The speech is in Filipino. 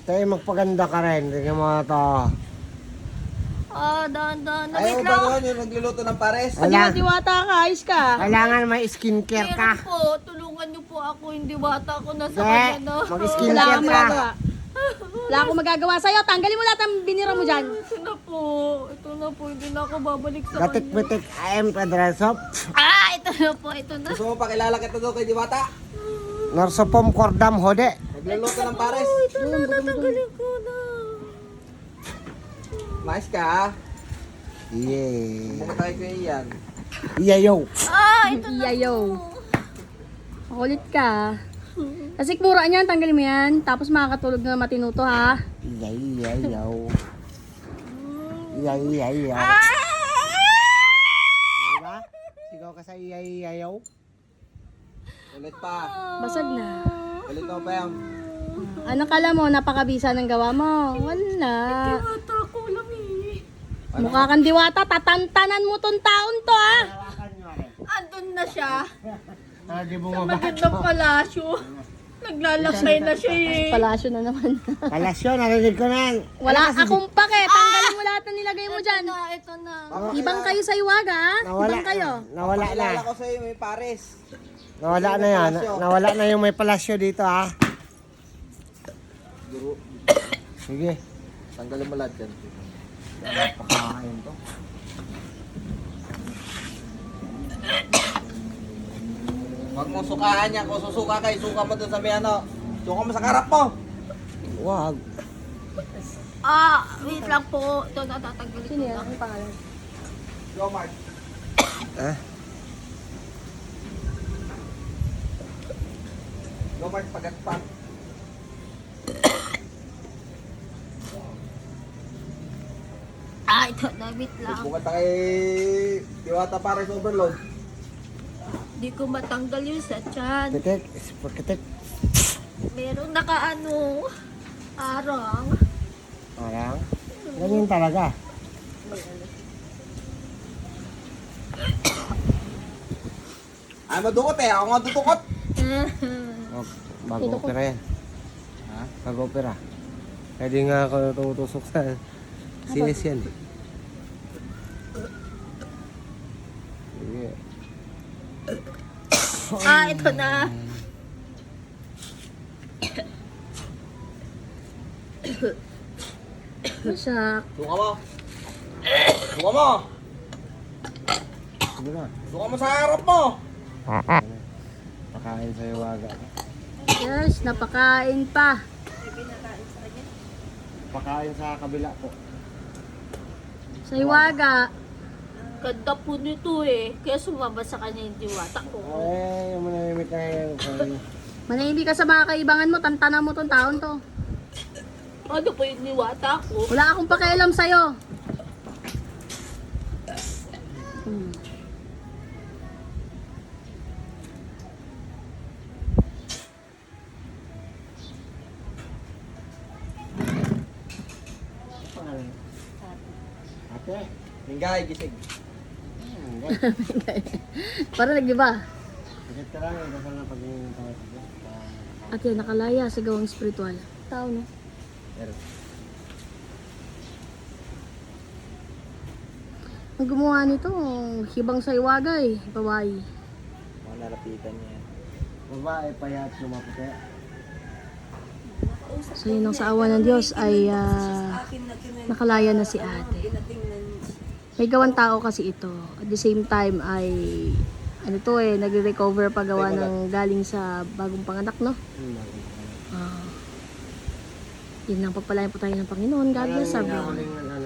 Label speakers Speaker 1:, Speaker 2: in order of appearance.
Speaker 1: Tayo magpaganda ka rin. Tingnan mo to.
Speaker 2: Dahan-dahan.
Speaker 3: Ayaw
Speaker 2: Wait
Speaker 3: ba
Speaker 2: lang.
Speaker 3: yun yung nagluluto ng pares?
Speaker 4: Diwata ka, ayos ka.
Speaker 1: Kailangan may skincare ka.
Speaker 2: Meron po, tulungan niyo po ako. Hindi bata ako nasa
Speaker 1: Hindi.
Speaker 2: kanya na.
Speaker 4: Wala
Speaker 1: Mag-skincare
Speaker 4: akong
Speaker 1: ka.
Speaker 4: magagawa. Wala akong magagawa sa'yo. Tanggalin mo lahat ang binira mo dyan.
Speaker 2: Ito na po. Ito na po. Hindi na ako babalik sa kanya.
Speaker 1: Gatik-bitik. I am Pedresop.
Speaker 2: Ito na po. Ito na.
Speaker 3: Gusto mo pakilala kita doon kay Diwata?
Speaker 1: Narsopom kordam hode.
Speaker 3: Nagluluto ng pares.
Speaker 2: Ito na. Tatanggalin ko na.
Speaker 3: Mais ka ha?
Speaker 1: Yeah.
Speaker 3: Buka tayo kayo yan.
Speaker 1: Yeah, yo.
Speaker 2: Ito na
Speaker 4: Iyayo.
Speaker 2: po.
Speaker 4: Makulit ka. Kasi mura niyan, tanggalin mo yan. Tapos makakatulog na matinuto ha.
Speaker 1: Yeah, yo. Yeah, yo. Diba? Sigaw ka sa yeah, yo.
Speaker 3: Ulit pa.
Speaker 4: Basag na.
Speaker 3: Ulit mo pa yan.
Speaker 4: Ano kala mo, napakabisa ng gawa mo? Wala.
Speaker 2: Bata ko lang eh.
Speaker 4: Mukha kang diwata, tatantanan mo tong taon to ha.
Speaker 2: Andun na siya.
Speaker 1: Di
Speaker 2: Sa
Speaker 1: bumaba.
Speaker 2: magandang palasyo. Naglalakay na siya eh.
Speaker 4: Palasyo na naman.
Speaker 1: Palasyo, narinig ko na yan.
Speaker 4: Wala akong pake. Tanggalin mo lahat na nilagay mo dyan.
Speaker 2: Ito na.
Speaker 4: Ibang kayo sa Iwaga ha.
Speaker 1: Nawala
Speaker 4: Ibang kayo.
Speaker 1: Nawala na.
Speaker 3: Pakilala ko sa'yo may pares.
Speaker 1: Nawala na yan. Nawala na yung may palasyo dito ha.
Speaker 3: Guru.
Speaker 1: Sige.
Speaker 3: Tanggalin mo lahat yan.
Speaker 1: Napakakain to.
Speaker 3: Huwag mong sukaan yan. Kung susuka kayo, suka mo dun sa may ano. Suka mo sa karap mo.
Speaker 1: Wag.
Speaker 2: Wait lang po. Ito na tatanggalin ko
Speaker 4: Sino yan?
Speaker 2: na.
Speaker 4: Ang pangalan?
Speaker 3: Go, Mark.
Speaker 1: Eh?
Speaker 3: Go, Mark. Pagat pa.
Speaker 2: Ito na. Wait lang.
Speaker 3: Bukat na kay Diwata pares overload.
Speaker 2: Di ko matanggal yung sa tiyan.
Speaker 1: Kitik. Kitik.
Speaker 2: Meron nakaano. Arang.
Speaker 1: Parang. Ganyan talaga.
Speaker 3: Ay, madukot eh. Ako nga tutukot.
Speaker 1: Oh, bago opera yan.
Speaker 3: Ha?
Speaker 1: Bago opera. Pwede nga ako tumutusok sa sinis yan. Sige.
Speaker 2: Ito na.
Speaker 4: Masak.
Speaker 3: Suka mo. Suka mo.
Speaker 1: Sige na.
Speaker 3: Suka mo sa harap mo.
Speaker 1: Pakain sa iwaga.
Speaker 4: Yes, napakain pa.
Speaker 1: Pakain sa kabila po.
Speaker 4: Sa Iwaga.
Speaker 2: Ganda po nito eh. Kaya sumama sa kanya yung diwata ko.
Speaker 1: Ay, manahimik ka ngayon.
Speaker 4: Manahimik ka sa mga kaibangan mo, tantanan mo tong taon to.
Speaker 2: Ano po yung diwata ko?
Speaker 4: Wala akong pakialam sa'yo.
Speaker 1: Ate.
Speaker 3: Hinggay, gising.
Speaker 4: Para nag-iba.
Speaker 1: Sakit ka lang. Dasal na pag-iingin tayo.
Speaker 4: At yan, nakalaya sa gawang spiritual. Tao, no?
Speaker 1: Pero,
Speaker 4: Ang gumawa nito, hibang sa Iwaga eh. Babae.
Speaker 3: Mga nalapitan niya yan.
Speaker 1: babae payat lumaputi.
Speaker 4: So yun ang sa awa ng Diyos ay nakalaya na si ate. May gawang tao kasi ito. At the same time ay ano to eh, nagre-recover pa gawa ng galing sa bagong panganak, no? Yun lang pagpalain po tayo ng Panginoon. God bless everyone.